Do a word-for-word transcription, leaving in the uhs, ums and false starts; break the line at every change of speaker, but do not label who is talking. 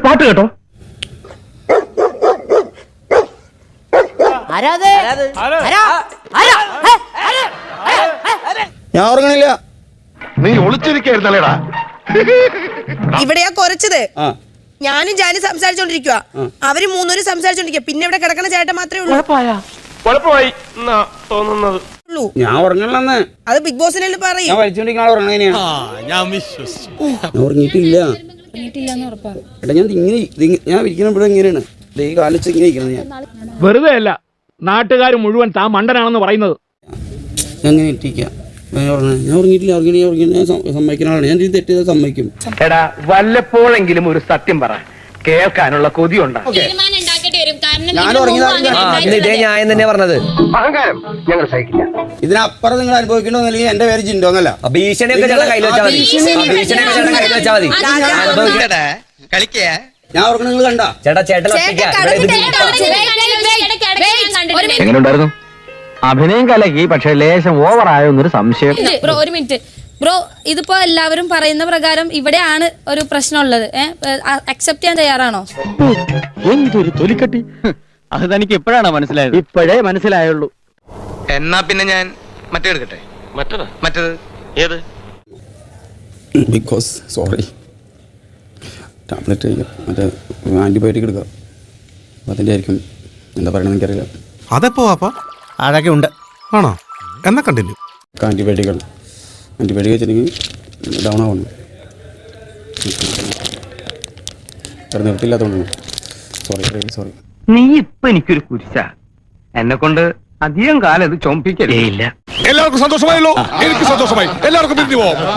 പാട്ട് കേട്ടോ.
ഞാൻ ഉറങ്ങണില്ല.
നീ ഒളിച്ചിരിക്കായിരുന്നല്ലേടാ.
ഇവിടെയാ കുറച്ചത്. ഞാനും ജാനി സംസാരിച്ചോണ്ടിരിക്കുക, അവര് മൂന്നൂര് സംസാരിച്ചോണ്ടിരിക്കുക. പിന്നെ ഇവിടെ കിടക്കണ ചേട്ടൻ മാത്രമേ ഉള്ളൂ.
കുഴപ്പമായി തോന്നുന്നത്.
ഞാൻ ഉറങ്ങണമെന്ന്
അത് ബിഗ് ബോസിനെ പറയും.
ഞാൻ വലിച്ചോണ്ടിരിക്കണ ഉറങ്ങണ. ഉറങ്ങിയിട്ടില്ല എടാ. ഞാൻ ഇങ്ങനെ ഞാൻ ഇരിക്കുന്ന ഇവിടെ ഇങ്ങനെയാണ്. ഈ കാലിച്ച് ഇങ്ങനെ ഇരിക്കുന്നത്. ഞാൻ
വെറുതെ അല്ല നാട്ടുകാർ മുഴുവൻ താൻ മണ്ടനാണെന്ന് പറയുന്നത്.
ഞാൻ ഇങ്ങനെ ഇട്ടിരിക്കാം. ഞാൻ ഉറങ്ങിയിട്ടില്ല. ഉറങ്ങി ഉറങ്ങി ഞാൻ സമ്മതിക്കുന്ന ആളാണ്. ഞാൻ തെറ്റ് ചെയ്താൽ സമ്മതിക്കും.
എടാ വല്ലപ്പോഴെങ്കിലും ഒരു സത്യം പറ, കേൾക്കാനുള്ള കൊതിയുണ്ട്. അഹങ്കാരം ഞങ്ങൾ സഹിക്കില്ല.
ഇതിനപ്പുറം നിങ്ങൾ അനുഭവിക്കണമെന്നില്ലെങ്കിൽ എന്റെ പേര് ജിൻഡോ എന്നല്ല. ഞാൻ ഉറങ്ങണ നിങ്ങൾ കണ്ട
എങ്ങനെയുണ്ടായിരുന്നു അഭിനയം കലക്കി, പക്ഷെ ലേശം ഓവർ ആയോന്നൊരു സംശയം.
ബ്രോ ഒരു മിനിറ്റ് ബ്രോ, ഇതിപ്പോ എല്ലാവരും പറയുന്ന പ്രകാരം ഇവിടെയാണ് ഒരു പ്രശ്നമുള്ളത്. അക്സെപ്റ്റ് ചെയ്യാൻ തയ്യാറാണോ?
എന്തൊരു തൊലിക്കട്ടി. അത് തനിക്ക് എപ്പോഴാണ് മനസ്സിലായത്? ഇപ്പോഴേ മനസ്സിലായുള്ളൂ.
എന്നാ പിന്നെ ഞാൻ മറ്റേ എടുക്കട്ടെ. മറ്റേത് മറ്റേത് ഏത്?
ബിക്കോസ് സോറി ടാബ്ലറ്റ് മറ്റേ ആൻറ്റിബയോട്ടിക് എടുക്കുക. അപ്പം അതിൻ്റെ ആയിരിക്കും എന്താ പറയണമെന്ന് എനിക്കറിയില്ല.
അതെപ്പോ വാപ്പാ?
അതൊക്കെ ഉണ്ട്.
ആണോ? എന്നാ കണ്ടിന്യൂ.
ആൻറ്റിബയോട്ടിക്കാണ്. ആൻറ്റിബയോട്ടിക് വെച്ചിട്ടുണ്ടെങ്കിൽ ഡൗൺ ആവണം. വേറെ നിർത്തില്ലാത്തതുകൊണ്ടാണ്. Sorry sorry.
നീ ഇപ്പൊ എനിക്കൊരു കുരിശ. എന്നെ കൊണ്ട് അധികം കാലം ഇത് ചൊമ്പിക്കലേ ഇല്ല.
എല്ലാവർക്കും സന്തോഷമായല്ലോ. എനിക്ക് സന്തോഷമായി. എല്ലാവർക്കും പിരിഞ്ഞു പോവാം.